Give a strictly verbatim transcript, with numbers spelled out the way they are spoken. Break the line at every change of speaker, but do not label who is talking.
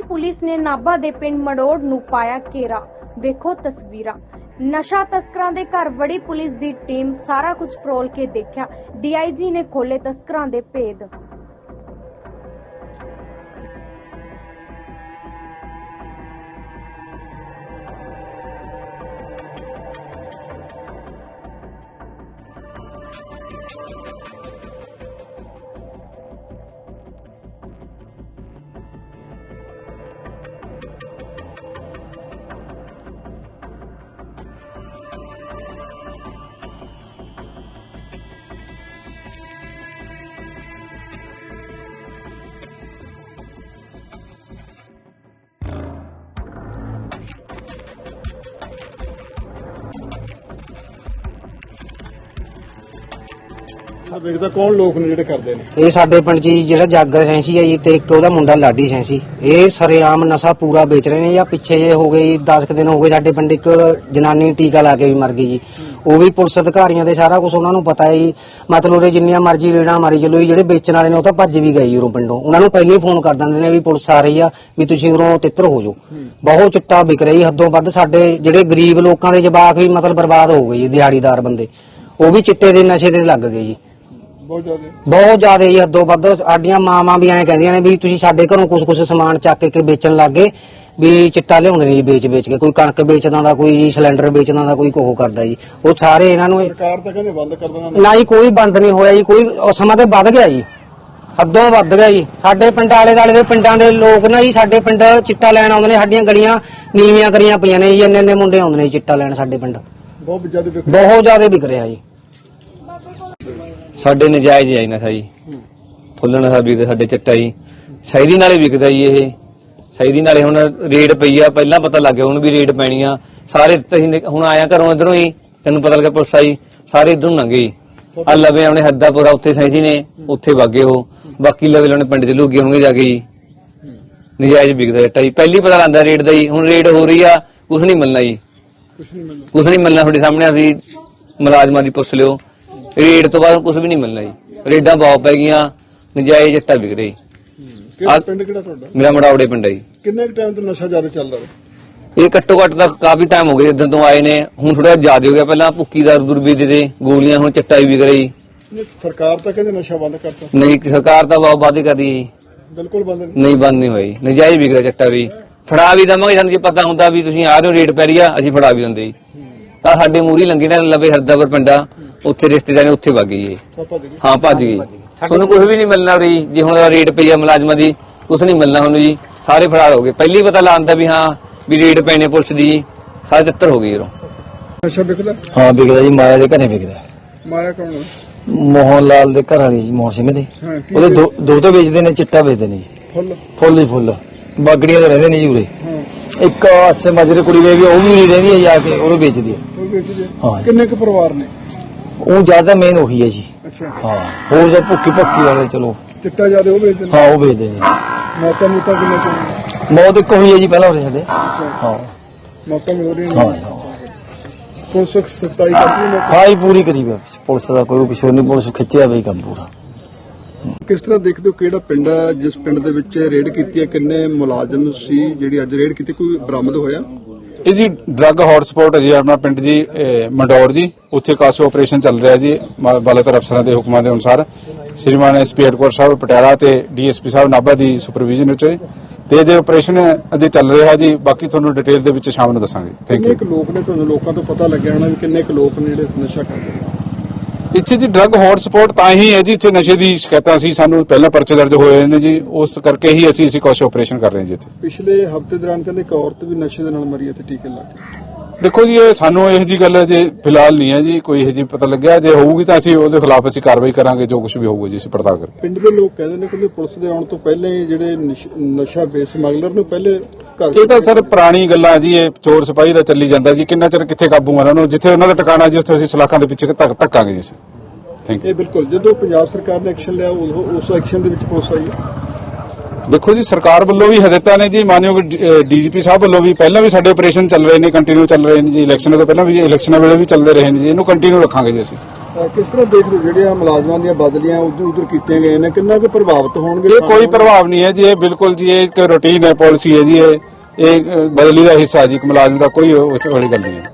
Police ने नाभा दे पिंड मड़ोड़ नूं पाया घेरा। वेखो तस्वीरां। नशा तस्करां दे घर वड़ी पुलिस दी टीम सारा कुछ फरोल के देखा। डी आई जी ने खोले तस्करां दे भेद।
देखदा कौन लोग ने जेडे करदे ने
ਇਹ ਸਾਡੇ ਪਿੰਡ 'ਚ ਜੀ ਜਿਹੜਾ ਜਾਗਰ ਸੈਂਸੀ ਹੈ ਜੀ ਤੇ ਇੱਕ ਉਹਦਾ ਮੁੰਡਾ ਲਾਡੀ ਸੈਂਸੀ ਇਹ ਸਰੇਆਮ ਨਸ਼ਾ ਪੂਰਾ ਵੇਚ ਰਹੇ ਨੇ। ਜਾਂ ਪਿੱਛੇ ਜੇ ਹੋ ਗਏ ਦਸ ਕੁ ਦਿਨ ਹੋ ਗਏ ਸਾਡੇ ਪਿੰਡ ਇੱਕ ਜਨਾਨੀ ਟੀਕਾ ਲਾ ਕੇ ਵੀ ਮਰ ਗਈ ਜੀ। ਉਹ ਵੀ ਪੁਲਿਸ ਅਧਿਕਾਰੀਆਂ ਦੇ ਸਾਰਾ ਕੁਝ ਉਹਨਾਂ ਨੂੰ ਪਤਾ ਹੈ ਜੀ। ਮਤਲਬ ਉਹ ਜਿੰਨੀਆਂ ਮਰਜ਼ੀ ਰੇੜਾਂ ਮਾਰੀ ਚਲੋ, ਜਿਹੜੇ ਵੇਚਣ ਵਾਲੇ ਨੇ ਉਹ ਤਾਂ ਭੱਜ ਵੀ ਗਏ ਉਰੋਂ ਪਿੰਡੋਂ। ਉਹਨਾਂ ਨੂੰ ਪਹਿਲਾਂ ਹੀ ਫੋਨ ਕਰ ਦਿੰਦੇ ਨੇ ਵੀ ਪੁਲਿਸ ਆ ਰਹੀ ਆ, ਵੀ ਤੁਸੀਂ ਉਰੋਂ ਤਿੱਤਰ ਹੋ ਜਾਓ। ਬਹੁਤ ਚਿੱਟਾ ਵਿਕ ਰਹੀ ਹੱਦੋਂ ਵੱਧ। ਸਾਡੇ ਜਿਹੜੇ ਗਰੀਬ ਲੋਕਾਂ ਦੇ ਜਵਾਕ ਵੀ ਮਤਲਬ ਬਰਬਾਦ ਹੋ ਗਏ ਜੀ। ਦਿਹਾੜੀਦਾਰ ਬੰਦੇ ਉਹ ਵੀ ਚਿੱਟੇ ਦੇ ਨਸ਼ੇ ਤੇ ਲੱਗ ਗਏ ਜੀ।
ਬਹੁਤ ਜ਼ਿਆਦਾ
ਬਹੁਤ ਜ਼ਿਆਦਾ ਜੀ, ਹੱਦੋਂ ਵੱਧ। ਸਾਡੀਆਂ ਮਾਵਾਂ ਵੀ ਐਂ ਕਹਿੰਦੀਆਂ ਨੇ ਵੀ ਤੁਸੀਂ ਸਾਡੇ ਘਰੋਂ ਕੁਝ ਕੁਝ ਸਮਾਨ ਚੱਕ ਕੇ ਵੇਚਣ ਲੱਗ ਗਏ, ਵੀ ਚਿੱਟਾ ਲਿਆਉਂਦੇ ਨੇ ਜੀ ਵੇਚ ਵੇਚ ਕੇ। ਕੋਈ ਕਣਕ ਵੇਚਦਾ ਦਾ, ਕੋਈ ਸਿਲੰਡਰ ਵੇਚਦਾ ਦਾ, ਕੋਈ ਕੋਹ ਕਰਦਾ ਜੀ। ਉਹ ਸਾਰੇ ਇਹਨਾਂ ਨੂੰ
ਸਰਕਾਰ ਤਾਂ ਕਹਿੰਦੇ ਬੰਦ ਕਰ ਦੇਣਾ।
ਨਾ ਜੀ, ਕੋਈ ਬੰਦ ਨਹੀਂ ਹੋਇਆ ਜੀ। ਕੋਈ ਸਮਾਂ ਤੇ ਵੱਧ ਗਿਆ ਜੀ, ਹੱਦੋਂ ਵੱਧ ਗਿਆ ਜੀ। ਸਾਡੇ ਪਿੰਡ ਆਲੇ ਦਾਲੇ ਦੇ ਪਿੰਡਾਂ ਦੇ ਲੋਕ ਨਾ ਜੀ ਸਾਡੇ ਪਿੰਡ ਚਿੱਟਾ ਲੈਣ ਆਉਂਦੇ ਨੇ। ਸਾਡੀਆਂ ਗਲੀਆਂ ਨੀਵੀਆਂ ਕਰੀਆਂ ਪਈਆਂ ਨੇ ਜੀ। ਇੰਨੇ ਇੰਨੇ ਮੁੰਡੇ ਆਉਂਦੇ ਨੇ ਚਿੱਟਾ ਲੈਣ ਸਾਡੇ ਪਿੰਡ।
ਬਹੁਤ ਜ਼ਿਆਦਾ ਵਿਕ
ਬਹੁਤ ਜ਼ਿਆਦਾ ਵਿਕ ਰਿਹਾ ਜੀ।
ਸਾਡੇ ਨਜਾਇਜ਼ ਹੈ ਨਸ਼ਾ ਜੀ। ਫੁੱਲ ਨਸ਼ਾ ਵਿਕਦਾ ਸਾਡੇ ਚਿੱਟਾ ਜੀ। ਸ਼ਾਇਦੀ ਨਾਲੇ ਵਿਕਦਾ ਜੀ। ਇਹ ਸ਼ਾਇਦੀ ਨਾਲੇ ਹੁਣ ਰੇਡ ਪਈ ਆ, ਪਹਿਲਾਂ ਪਤਾ ਲੱਗ ਗਿਆ ਹੁਣ ਵੀ ਰੇਡ ਪੈਣੀ ਆ। ਸਾਰੇ ਤੁਸੀਂ ਹੁਣ ਆਇਆ ਘਰੋਂ ਇਧਰੋਂ ਹੀ, ਤੈਨੂੰ ਪਤਾ ਲੱਗਾ ਪੁਲਿਸ ਆਈ, ਸਾਰੇ ਇਧਰੋਂ ਲੰਘੇ ਜੀ। ਆ ਲਵੇ ਆਪਣੇ ਹੱਦਾਪੁਰਾ ਉੱਥੇ ਸੈਂਸੀ ਨੇ, ਉੱਥੇ ਵਾਗੇ ਉਹ। ਬਾਕੀ ਲਵੇ ਉਹਨੇ ਪਿੰਡ ਚ ਲੁੱਗੇ ਹੋਣਗੇ ਜਾ ਕੇ ਜੀ। ਨਜਾਇਜ਼ ਵਿਕਦਾ ਚਿੱਟਾ ਜੀ। ਪਹਿਲੀ ਪਤਾ ਲੱਗਦਾ ਰੇਡ ਦਾ ਜੀ। ਹੁਣ ਰੇਡ ਹੋ ਰਹੀ ਆ, ਕੁਛ ਨਹੀਂ ਮਿਲਣਾ ਜੀ।
ਕੁਝ ਨਹੀਂ ਮਿਲਣਾ
ਕੁਛ ਨਹੀਂ ਮਿਲਣਾ। ਤੁਹਾਡੇ ਸਾਹਮਣੇ ਅਸੀਂ ਮੁਲਾਜ਼ਮਾਂ ਦੀ ਪੁੱਛ ਲਿਓ, ਰੇਡ ਤੋਂ ਬਾਅਦ ਕੁਝ ਵੀ ਨਹੀਂ ਮਿਲਣਾ ਜੀ। ਰੇਡਾਂ ਬਹੁਤ ਪੈ ਗਈਆਂ, ਨਜਾਇਜ਼ ਚਿੱਟਾ ਵਿਕ ਰਿਹਾ ਜੀ।
ਕਿਹੜਾ ਪਿੰਡ ਕਿਹੜਾ ਤੁਹਾਡਾ?
ਮੇਰਾ ਮੜਾਉੜੇ ਪਿੰਡ ਹੈ ਜੀ।
ਕਿੰਨੇ ਟਾਈਮ ਤੋਂ ਨਸ਼ਾ ਜ਼ਿਆਦਾ ਚੱਲਦਾ ਹੈ?
ਇਹ ਘੱਟੋ ਘੱਟ ਤਾਂ ਕਾਫੀ ਟਾਈਮ ਹੋ ਗਿਆ ਜਦੋਂ ਤੋਂ ਆਏ ਨੇ। ਹੁਣ ਥੋੜਾ ਜ਼ਿਆਦਾ ਹੋ ਗਿਆ। ਪਹਿਲਾਂ ਭੁੱਕੀ ਦਾ ਦੁਰਬੀਦੇ ਦੇ ਗੋਲੀਆਂ, ਹੁਣ ਚਿੱਟਾ ਵੀ ਵਿਕ ਰਿਹਾ ਜੀ।
ਨਹੀਂ, ਸਰਕਾਰ ਤਾਂ ਕਹਿੰਦੇ ਨਸ਼ਾ ਬੰਦ ਕਰਤਾ।
ਨਹੀਂ, ਸਰਕਾਰ ਤਾਂ ਬਹੁਤ ਵਾਅਦੇ ਕਰਦੀ ਹੈ ਜੀ।
ਬਿਲਕੁਲ ਬੰਦ ਨਹੀਂ।
ਨਹੀਂ, ਬੰਦ ਨਹੀਂ ਹੋਈ। ਨਜਾਇਜ਼ ਵਿਕ ਰਿਹਾ ਚਿੱਟਾ ਵੀ। ਫੜਾ ਵੀ ਦਵਾਂਗੇ, ਸਾਨੂੰ ਜੇ ਪਤਾ ਹੁੰਦਾ ਵੀ ਤੁਸੀਂ ਆ ਰਹੇ ਹੋ ਰੇਡ ਪੈ ਰਹੀ ਆ, ਅਸੀਂ ਫੜਾ ਵੀ ਦਿੰਦੇ ਜੀ। ਤਾਂ ਸਾਡੇ ਮੂਹਰੀ ਲੰਗੇ ਨੇ ਲਵੇ ਹਰਦਾਪੁਰ ਪਿੰਡਾ, ਉੱਥੇ ਰਿਸ਼ਤੇਦਾਰ ਨੇ, ਉੱਥੇ ਵਗ ਗਈ ਜੀ। ਹਾਂ, ਭੱਜ ਗਈ। ਤੁਹਾਨੂੰ ਕੁਝ ਵੀ ਨਹੀਂ ਮਿਲਣਾ ਰਹੀ ਜੀ। ਹੁਣ ਰੇਡ ਪਈ ਆ ਮੁਲਾਜ਼ਮਾਂ ਦੀ, ਕੁਝ ਨਹੀਂ ਮਿਲਣਾ ਹੁਣ ਜੀ। ਸਾਰੇ ਫਰਾਰ ਹੋ ਗਏ। ਪਹਿਲੀ ਪਤਾ ਲਾਉਂਦਾ ਵੀ ਹਾਂ ਵੀ ਰੇਡ ਪੈਣੇ ਪੁਲਿਸ ਦੀ ਜੀ। ਸਾਰੇ ਤਿੱਤਰ ਹੋ ਗਏ ਯਾਰੋਂ।
ਨਸ਼ਾ ਵਿਕਦਾ?
ਹਾਂ ਵਿਕਦਾ ਜੀ। ਮਾਇਆ ਦੇ ਘਰੇ ਵਿਕਦਾ।
ਮਾਇਆ ਕੌਣ ਹੈ?
ਮੋਹਨ ਲਾਲ ਦੇ ਘਰ ਵਾਲੀ ਜੀ, ਮੋਹਨ ਸਿੰਘ ਦੇ।
ਹਾਂ, ਕੀ
ਉਹਦੇ ਦੋ ਦੋ ਤੋਂ ਵੇਚਦੇ ਨੇ, ਚਿੱਟਾ ਵੇਚਦੇ ਨੇ ਜੀ।
ਫੁੱਲ
ਫੁੱਲ ਹੀ ਫੁੱਲ। ਬਾਗੜੀਆਂ ਤੋਂ ਰਹਿੰਦੇ ਨੇ ਜੀ ਉਰੇ।
ਹਾਂ,
ਇੱਕ ਅੱਛੇ ਮਾਜਰੇ ਕੁੜੀ ਵੇ ਵੀ ਉਹ ਵੀ ਉਰੇ ਰਹਿੰਦੀ ਹੈ ਜਾ ਕੇ, ਉਹਨੂੰ ਵੇਚਦੀ ਹੈ।
ਉਹ ਵੇਚਦੇ
ਹਾਂ।
ਕਿੰਨੇ ਕੁ ਪਰਿਵਾਰ ਨੇ?
ਉਹ ਜ਼ਿਆਦਾ ਮੇਨ ਉਹੀ ਹੈ ਜੀ।
ਅੱਛਾ,
ਹਾਂ, ਹੋਰ ਜੋ ਭੁੱਕੀ ਭੱਕੀ ਵਾਲੇ ਚਲੋ
ਚਿੱਟਾ ਜ਼ਿਆਦਾ ਉਹ ਵੇਚਦੇ ਨੇ।
ਹਾਂ ਉਹ ਵੇਚਦੇ ਨੇ।
ਮੌਤਾਂ ਮੂਤਾਂ ਕਿੰਨੇ ਚੱਲਦੀਆਂ?
ਮੌਤ ਇੱਕ ਹੋਈ ਹੈ ਜੀ ਪਹਿਲਾਂ ਉਰੇ ਸਾਡੇ। ਹਾਂ
ਮੌਤਾਂ ਮਿਲ ਰਹੀਆਂ
ਹਾਂ
ਨੇ। ਪੁਲਿਸ ਸਖਤਾਈ ਕਰਦੀ ਹੈ।
ਹਾਂ ਹੀ ਪੂਰੀ ਕਰੀ ਵੇ ਪੁਲਿਸ ਦਾ ਕੋਈ ਪਿਛੋਂ ਨਹੀਂ। ਪੁਲਿਸ ਖਿੱਚਿਆ ਵੇ ਕੰਮ ਪੂਰਾ।
ਕਿਸ ਤਰ੍ਹਾਂ ਦੇਖਦੇ ਹੋ ਕਿਹੜਾ ਪਿੰਡ ਹੈ ਜਿਸ ਪਿੰਡ ਦੇ ਵਿੱਚ ਰੇਡ ਕੀਤੀ ਹੈ? ਕਿੰਨੇ ਮੁਲਾਜ਼ਮ ਸੀ ਜਿਹੜੀ ਅੱਜ ਰੇਡ ਕੀਤੀ? ਕੋਈ ਬਰਾਮਦ ਹੋਇਆ?
ਇਹ ਜੀ ਡਰੱਗ ਹੌਟਸਪੌਟ ਹੈ ਜੀ ਆਪਣਾ ਪਿੰਡ ਜੀ, ਮੰਡੌਰ ਜੀ। ਉੱਥੇ ਕਾਸੋ ਆਪਰੇਸ਼ਨ ਚੱਲ ਰਿਹਾ ਜੀ ਬਾਲਾਤਰ ਅਫਸਰਾਂ ਦੇ ਹੁਕਮਾਂ ਦੇ ਅਨੁਸਾਰ। ਸ਼੍ਰੀਮਾਨ ਐਸਪੀ ਹੈਡਕੁਆਟਰ ਸਾਹਿਬ ਪਟਿਆਲਾ ਤੇ ਡੀਐਸਪੀ ਸਾਹਿਬ ਨਾਭਾ ਦੀ ਸੁਪਰਵਿਜ਼ਨ ਵਿੱਚ ਤੇ ਜੇ ਆਪਰੇਸ਼ਨ ਅਜੇ ਚੱਲ ਰਿਹਾ ਜੀ। ਬਾਕੀ ਤੁਹਾਨੂੰ ਡਿਟੇਲ ਦੇ ਵਿੱਚ ਸ਼ਾਮ ਨੂੰ ਦੱਸਾਂਗੇ। ਥੈਂਕ
ਕਿੰਨੇ
ਯੂ।
ਕੁ ਲੋਕ ਨੇ? ਤੁਹਾਨੂੰ ਲੋਕਾਂ ਤੋਂ ਪਤਾ ਲੱਗਿਆ ਹੋਣਾ ਵੀ ਕਿੰਨੇ ਕੁ ਲੋਕ ਨੇ ਜਿਹੜੇ ਨਸ਼ਾ ਕਰਦੇ ਨੇ?
ਇੱਥੇ ਜੀ ਡਰੱਗ ਹੌਟਸਪੌਟ ਤਾਂ ਹੀ ਹੈ ਜੀ, ਇੱਥੇ ਨਸ਼ੇ ਦੀ ਸ਼ਿਕਾਇਤਾਂ ਸੀ ਸਾਨੂੰ ਪਹਿਲਾਂ ਪਰਚੇ ਦਰਜ ਹੋਏ ਨੇ ਜੀ। ਉਸ ਕਰਕੇ ਹੀ ਅਸੀਂ ਅਸੀਂ ਕਾਸੋ ਆਪਰੇਸ਼ਨ ਕਰ ਰਹੇ ਹਾਂ ਜੀ ਇੱਥੇ।
ਪਿਛਲੇ ਹਫ਼ਤੇ ਦੌਰਾਨ ਕਹਿੰਦੇ ਇੱਕ ਔਰਤ ਵੀ ਨਸ਼ੇ ਦੇ ਨਾਲ ਮਰੀ ਹੈ ਤੇ ਟੀਕੇ ਲਾ ਕੇ।
ਦੇਖੋ ਜੀ, ਇਹ ਸਾਨੂੰ ਇਹੋ ਜੀ ਗੱਲ ਜੇ ਫਿਲਹਾਲ ਨਹੀਂ ਹੈ ਜੀ ਕੋਈ ਇਹੋ ਜੀ ਪਤਾ ਲੱਗਿਆ। ਜੇ ਹੋਊਗੀ ਤਾਂ ਅਸੀਂ ਉਹਦੇ ਖਿਲਾਫ ਅਸੀਂ ਕਾਰਵਾਈ ਕਰਾਂਗੇ। ਜੋ ਕੁਝ ਵੀ ਹੋਊਗਾ ਜੀ ਅਸੀਂ ਪੜਤਾਲ ਕਰਾਂਗੇ।
ਪਿੰਡ ਦੇ ਲੋਕ ਕਹਿੰਦੇ ਨੇ ਕਿ ਪੁਲਿਸ ਦੇ ਆਉਣ ਤੋਂ ਪਹਿਲਾਂ ਹੀ ਜਿਹੜੇ ਨਸ਼- ਨਸ਼ਾ ਵੇਚ ਸਮਗਲਰ ਨੂੰ ਪਹਿਲੇ ਘਰ
ਇਹ ਤਾਂ ਸਰ ਪੁਰਾਣੀ ਗੱਲਾਂ ਜੀ। ਇਹ ਚੋਰ ਸਿਪਾਹੀ ਦਾ ਚੱਲੀ ਜਾਂਦਾ ਜੀ। ਕਿੰਨਾ ਚਿਰ ਕਿੱਥੇ ਕਾਬੂ ਮਾਰਾਂ ਉਹਨੂੰ? ਜਿੱਥੇ ਉਹਨਾਂ ਦਾ ਟਿਕਾਣਾ ਜੀ ਉੱਥੇ ਅਸੀਂ ਸਲਾਖਾਂ ਦੇ ਪਿੱਛੇ ਧੱਕ ਧੱਕਾਂਗੇ ਜੀ ਅਸੀਂ। Thank you.
ਇਹ ਬਿਲਕੁਲ ਜਦੋਂ ਪੰਜਾਬ ਸਰਕਾਰ ਨੇ ਐਕਸ਼ਨ ਲਿਆ ਉਦੋਂ ਉਸ ਐਕਸ਼ਨ ਦੇ ਵਿੱਚ ਪੁਲਿਸ ਆਈ ਹੈ।
ਦੇਖੋ ਜੀ, ਸਰਕਾਰ ਵੱਲੋਂ ਵੀ ਹਦਾਇਤਾਂ ਨੇ ਜੀ। ਮਾਨਯੋਗ ਡੀਜੀਪੀ ਸਾਹਿਬ ਵੱਲੋਂ ਵੀ ਪਹਿਲਾਂ ਵੀ ਸਾਡੇ ਆਪਰੇਸ਼ਨ ਚੱਲ ਰਹੇ ਨੇ, ਕੰਟੀਨਿਊ ਚੱਲ ਰਹੇ ਨੇ ਜੀ। ਇਲੈਕਸ਼ਨਾਂ ਤੋਂ ਪਹਿਲਾਂ ਵੀ, ਇਲੈਕਸ਼ਨਾਂ ਵੇਲੇ ਵੀ ਚੱਲਦੇ ਰਹੇ ਨੇ ਜੀ। ਇਹਨੂੰ ਕੰਟੀਨਿਊ ਰੱਖਾਂਗੇ ਜੀ ਅਸੀਂ।
ਅਹ ਕਿਸ ਤਰ੍ਹਾਂ ਦੇਖਦੇ ਹੋ ਜਿਹੜੀਆਂ ਮੁਲਾਜ਼ਮਾਂ ਦੀਆਂ ਬਦਲੀਆਂ ਉਧਰ ਉਧਰ ਕੀਤੀਆਂ ਗਈਆਂ ਨੇ ਕਿੰਨਾ ਕੁ ਪ੍ਰਭਾਵਿਤ ਹੋਣਗੇ?
ਇਹ ਕੋਈ ਪ੍ਰਭਾਵ ਨਹੀਂ ਹੈ ਜੀ, ਇਹ ਬਿਲਕੁਲ ਜੀ ਇਹ ਇੱਕ ਰੂਟੀਨ ਹੈ, ਪਾਲਿਸੀ ਹੈ ਜੀ, ਇਹ ਇਹ ਬਦਲੀ ਦਾ ਹਿੱਸਾ ਜੀ, ਇੱਕ ਮੁਲਾਜ਼ਮ ਦਾ ਕੋਈ ਉਹ ਵਾਲੀ ਗੱਲ ਨਹੀਂ ਹੈ।